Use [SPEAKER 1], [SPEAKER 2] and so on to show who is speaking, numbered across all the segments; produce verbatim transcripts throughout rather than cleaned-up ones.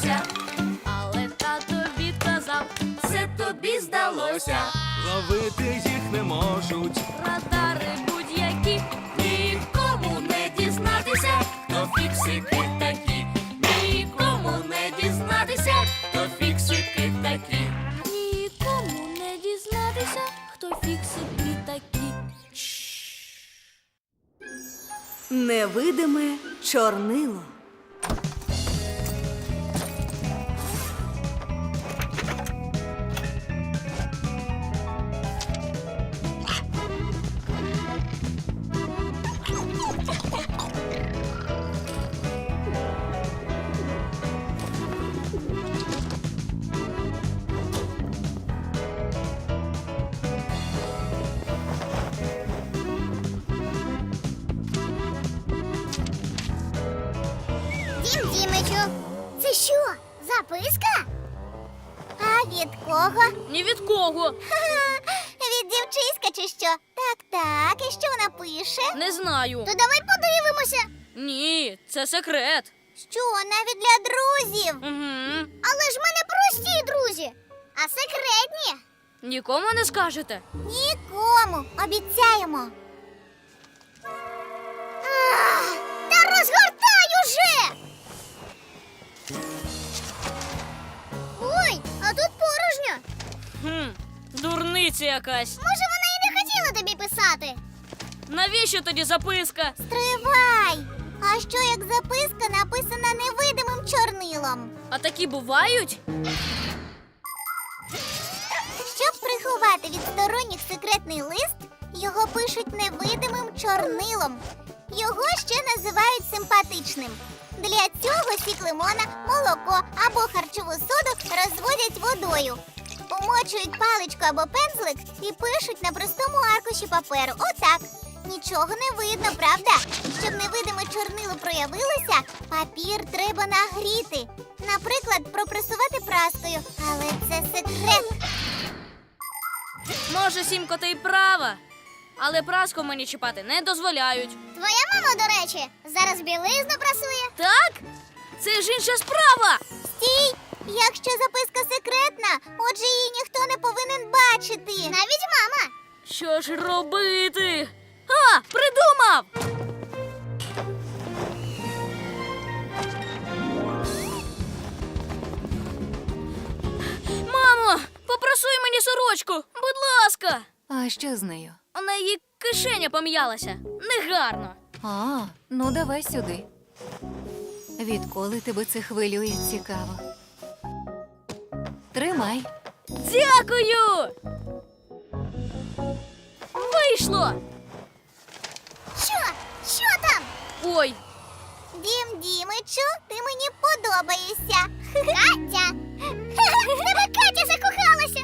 [SPEAKER 1] дізнатися. Але тато відказав, це тобі здалося.
[SPEAKER 2] Ловити їх не можуть.
[SPEAKER 1] Радари будь-які, нікому не дізнатися, хто фіксики такі. Нікому не дізнатися, хто фіксики такі. Нікому не дізнатися, хто фіксики такі.
[SPEAKER 3] Невидиме чорнило.
[SPEAKER 4] Дім Дімичу, це що, записка? А від кого?
[SPEAKER 1] Ні від кого.
[SPEAKER 4] Ха-ха, від дівчиська чи що? Так, так, і що вона пише?
[SPEAKER 1] Не знаю.
[SPEAKER 4] То давай подивимося.
[SPEAKER 1] Ні, це секрет.
[SPEAKER 4] Що, навіть для друзів?
[SPEAKER 1] Угу.
[SPEAKER 4] Але ж в мене прості друзі, а секретні?
[SPEAKER 1] Нікому не скажете?
[SPEAKER 4] Нікому, обіцяємо. Ах, та розгортай уже! Ой, а тут порожньо.
[SPEAKER 1] Хм, дурниця якась.
[SPEAKER 4] Може, вона і не хотіла тобі писати?
[SPEAKER 1] Навіщо тоді записка?
[SPEAKER 4] Стривай! А що як записка написана невидимим чорнилом?
[SPEAKER 1] А такі бувають?
[SPEAKER 4] Щоб приховати від сторонніх секретний лист, його пишуть невидимим чорнилом. Його ще називають симпатичним. Для цього сік лимона, молоко або харчову соду розводять водою. Умочують паличку або пензлик і пишуть на простому аркуші паперу. Отак. Нічого не видно, правда? Щоб невидиме чорнило проявилося, папір треба нагріти. Наприклад, пропресувати праскою. Але це секрет.
[SPEAKER 1] Може, Сімко, ти й права. Але праску мені чіпати не дозволяють.
[SPEAKER 4] Твоя мама, до речі, зараз білизну прасує.
[SPEAKER 1] Так? Це ж інша справа.
[SPEAKER 4] Стій! Якщо записка секретна, отже її ніхто не повинен бачити. Навіть мама.
[SPEAKER 1] Що ж робити? А, придумав! Мамо, попросуй мені сорочку, будь ласка.
[SPEAKER 5] А що з нею?
[SPEAKER 1] У неї кишеня пом'ялася. Негарно.
[SPEAKER 5] А, ну давай сюди. Відколи тебе це хвилює, цікаво. Тримай.
[SPEAKER 1] Дякую! Вийшло!
[SPEAKER 4] Що? Що там?
[SPEAKER 1] Ой,
[SPEAKER 4] Дім Дімичу, ти мені подобаєшся. Катя! В тебе Катя закохалася.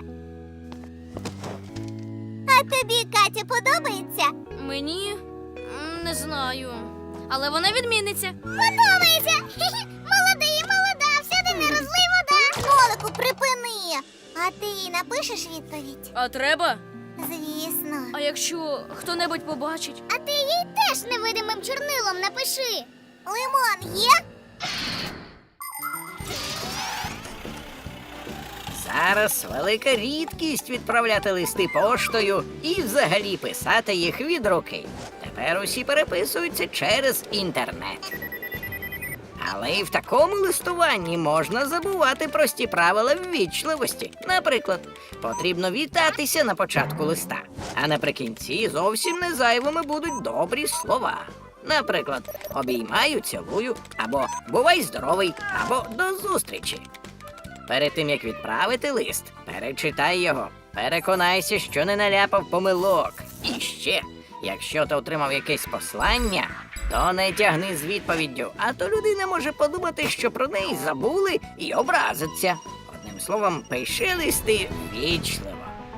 [SPEAKER 4] А тобі Катя подобається?
[SPEAKER 1] мені м, не знаю. Але вона відмінниця.
[SPEAKER 4] Подобається! Молодий, молода, всюди не розлий вода. Колику, припини. А ти їй напишеш відповідь?
[SPEAKER 1] А треба?
[SPEAKER 4] Звісно.
[SPEAKER 1] А якщо хто-небудь побачить?
[SPEAKER 4] А ти їй теж невидимим чорнилом напиши. Лимон є?
[SPEAKER 6] Зараз велика рідкість відправляти листи поштою і взагалі писати їх від руки. Тепер усі переписуються через інтернет. Але і в такому листуванні можна забувати прості правила ввічливості. Наприклад, потрібно вітатися на початку листа, а наприкінці зовсім не зайвими будуть добрі слова. Наприклад, обіймаю, цілую, або бувай здоровий, або до зустрічі. Перед тим, як відправити лист, перечитай його, переконайся, що не наляпав помилок. І ще, якщо ти отримав якесь послання, то не тягни з відповіддю, а то людина може подумати, що про неї забули і образиться. Одним словом, пиши листи вічливо.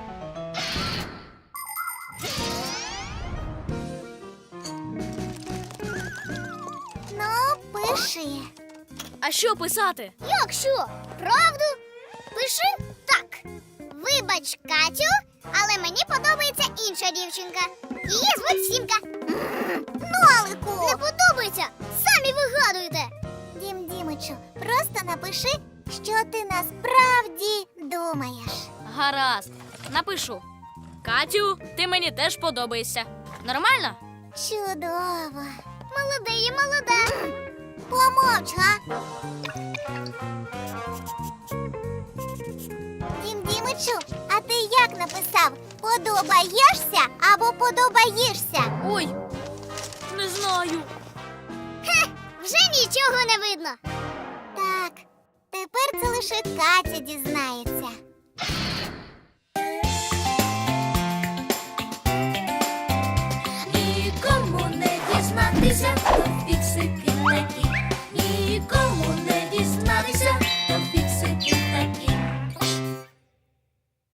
[SPEAKER 4] Ну, пиши.
[SPEAKER 1] А що писати?
[SPEAKER 4] Як що? Правду? Пиши так. Вибач, Катю, але мені подобається інша дівчинка. Її звуть Сімка. М, Нолику! Не подобається? Самі вигадуєте. Дім Дімичу, просто напиши що ти насправді думаєш.
[SPEAKER 1] Гаразд, напишу. Катю, ти мені теж подобаєшся. Нормально?
[SPEAKER 4] Чудово. Молода і молода. Помовч, га? Дім Дімичу, а ти як написав? Подобаєшся або подобаєшся?
[SPEAKER 1] Ой, не знаю.
[SPEAKER 4] Вже нічого не видно. Так, тепер це лише Катя дізнається.
[SPEAKER 1] Нікому не дізнатися, хто фіксики такі. Нікому не дізнатися,